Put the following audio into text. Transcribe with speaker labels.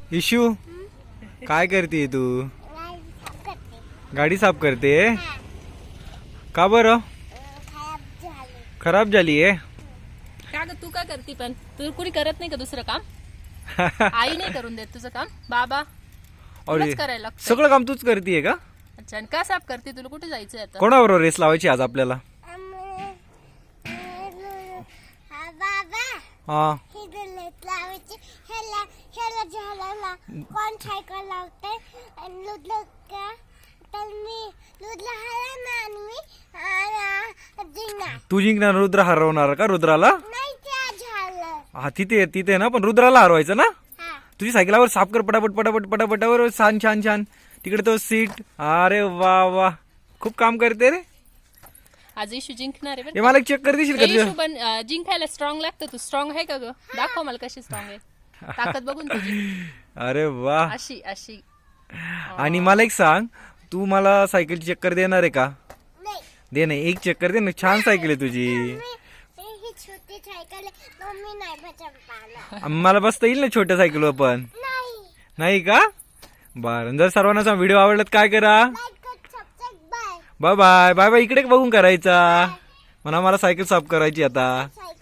Speaker 1: Issue काय करते तू? गाडी साफ करते? का बरं? खराब झाली आहे?
Speaker 2: का ग तू काय करते पण तू कुणी करत नाही का दुसरं काम? आई नाही करून देत तुझं काम? बाबा
Speaker 1: अरे
Speaker 2: तुलाच करायला लागतं.
Speaker 1: सगळं काम तूच करतेय का?
Speaker 2: अच्छा आणि का साफ करते? तुला कुठे जायचंय आता?
Speaker 1: कोणाबरोबर रेस लावायची आज आपल्याला? हा
Speaker 3: कोण सायकल लावते आणि लुडलं का तर मी लुडलं हरवणार आणि मी जिंकणार.
Speaker 1: तू जिंकणार, रुद्र हरवणार का रुद्राला?
Speaker 3: नाही ते झालं.
Speaker 1: हा तिथे ना, पण रुद्राला हरवायचं ना.
Speaker 3: हा
Speaker 1: तुझी सायकलावर साफ कर पटापट पटापट पटापटावर. छान छान छान. तिकडे तो सीट. अरे वा वा, खूप काम करते रे.
Speaker 2: आज इशू जिंकणार आहे
Speaker 1: हे मला चेक कर देशील का
Speaker 2: इशू
Speaker 1: तुझ्या?
Speaker 2: पण जिंकायला स्ट्रॉंग लागतं. तू स्ट्रॉंग आहे का ग? दाखव मला कशी स्ट्रॉंग आहे. ताकद बघून तुझी.
Speaker 1: अरे वा.
Speaker 2: अशी अशी.
Speaker 1: आणि मला एक सांग, तू मला सायकलची चक्कर देणार आहे का?
Speaker 3: नाही
Speaker 1: दे नाही, एक चक्कर दे ना. छान सायकल आहे तुझी.
Speaker 3: ही छोटी सायकल आहे तो मी नाही बचवणार.
Speaker 1: मला बसता येईल ना छोट्या सायकलवर पण?
Speaker 3: नाही
Speaker 1: नाही का? बरं, जर सर्वांना व्हिडिओ आवडला तर काय करा?
Speaker 3: लाईक कर subscribe bye
Speaker 1: bye bye bye bye. इकडे बघून करायचा म्हणा. मला सायकल साफ करायची आता.
Speaker 3: सायकल